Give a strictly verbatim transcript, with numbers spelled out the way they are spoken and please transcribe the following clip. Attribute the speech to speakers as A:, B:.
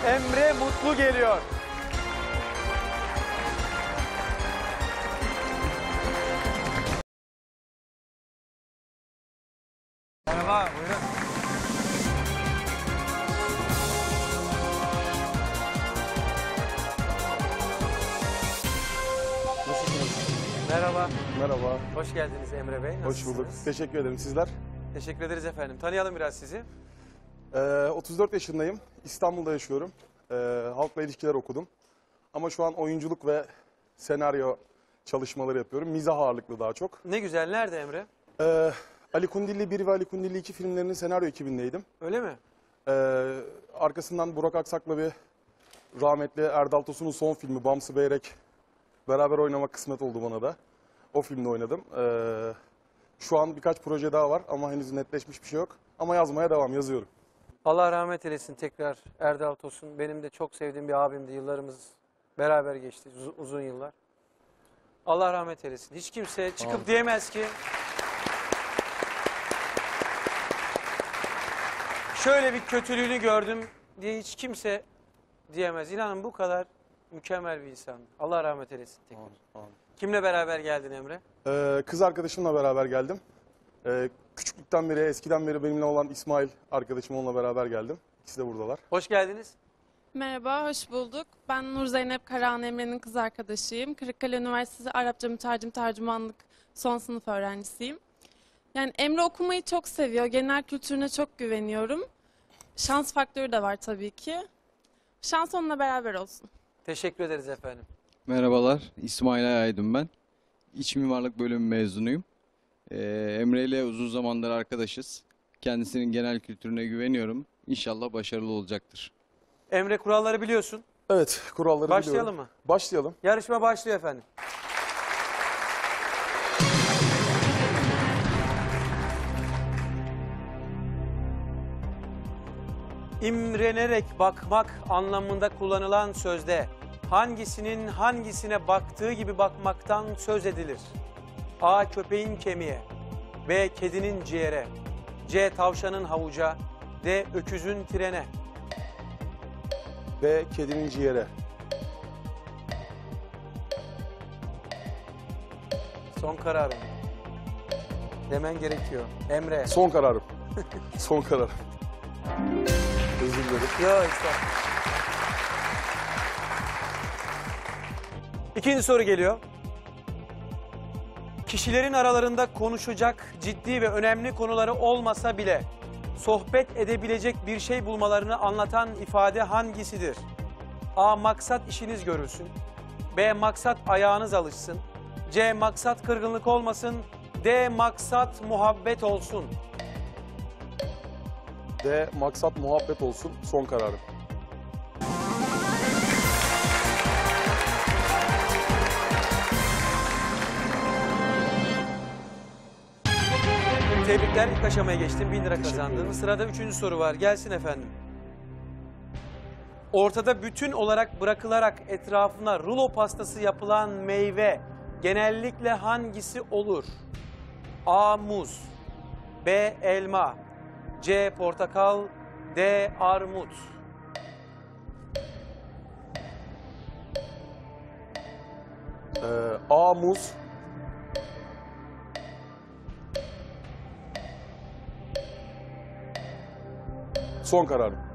A: Emre Mutlu geliyor. Merhaba, buyurun.
B: Nasılsınız?
A: Merhaba,
B: Merhaba.
A: hoş geldiniz Emre Bey.
B: Hoş
A: Nasılsınız?
B: bulduk. Teşekkür ederim. Sizler?
A: Teşekkür ederiz efendim. Tanıyalım biraz sizi.
B: Ee, otuz dört yaşındayım. İstanbul'da yaşıyorum. Ee, halkla ilişkiler okudum. Ama şu an oyunculuk ve senaryo çalışmaları yapıyorum. Mizah ağırlıklı daha çok.
A: Ne güzel, nerede Emre?
B: Ee, Ali Kundilli bir ve Ali Kundilli iki filmlerinin senaryo ekibindeydim.
A: Öyle mi?
B: Ee, arkasından Burak Aksak'la bir rahmetli Erdal Tosun'un son filmi Bamsı Beyrek beraber oynamak kısmet oldu bana da. O filmde oynadım. Ee, şu an birkaç proje daha var ama henüz netleşmiş bir şey yok. Ama yazmaya devam, yazıyorum.
A: Allah rahmet eylesin tekrar Erdal Tosun. Benim de çok sevdiğim bir abimdi. Yıllarımız beraber geçti, uz- uzun yıllar. Allah rahmet eylesin. Hiç kimse çıkıp
B: Amin.
A: diyemez ki şöyle bir kötülüğünü gördüm diye hiç kimse diyemez. İnanın bu kadar mükemmel bir insan. Allah rahmet eylesin tekrar.
B: Amin, amin.
A: Kimle beraber geldin Emre?
B: Ee, kız arkadaşımla beraber geldim. Ee, küçüklükten beri, eskiden beri benimle olan İsmail arkadaşım, onunla beraber geldim. İkisi de buradalar.
A: Hoş geldiniz.
C: Merhaba, hoş bulduk. Ben Nur Zeynep Karahan Emre'nin kız arkadaşıyım. Kırıkkale Üniversitesi Arapça Mütercim Tercümanlık son sınıf öğrencisiyim. Yani Emre okumayı çok seviyor. Genel kültürüne çok güveniyorum. Şans faktörü de var tabii ki. Şans onunla beraber olsun.
A: Teşekkür ederiz efendim.
D: Merhabalar, İsmail Aydın ben. İç mimarlık bölümü mezunuyum. Ee, Emre ile uzun zamandır arkadaşız. Kendisinin genel kültürüne güveniyorum. İnşallah başarılı olacaktır.
A: Emre, kuralları biliyorsun.
B: Evet, kuralları
A: Başlayalım
B: biliyorum.
A: mı?
B: Başlayalım.
A: Yarışma başlıyor efendim. İmrenerek bakmak anlamında kullanılan sözde hangisinin hangisine baktığı gibi bakmaktan söz edilir? A. Köpeğin kemiğe, B. Kedinin ciğere, C. Tavşanın havuca, D. Öküzün trene.
B: Ve kedinin ciğere.
A: Son kararım. Demen gerekiyor. Emre.
B: Son kararım. Son kararım. Özür dilerim.
A: Yok işte. İkinci soru geliyor. Kişilerin aralarında konuşacak ciddi ve önemli konuları olmasa bile sohbet edebilecek bir şey bulmalarını anlatan ifade hangisidir? A. Maksat işiniz görülsün. B. Maksat ayağınız alışsın. C. Maksat kırgınlık olmasın. D. Maksat muhabbet olsun.
B: De maksat muhabbet olsun. Son kararım.
A: Tebrikler, ilk aşamaya geçtin. Bin lira
B: Teşekkür
A: kazandın.
B: ederim.
A: Sırada üçüncü soru var. Gelsin efendim. Ortada bütün olarak bırakılarak etrafına rulo pastası yapılan meyve genellikle hangisi olur? A. Muz, B. Elma, C. Portakal, D. Armut.
B: Ee, A. Muz. Son kararım.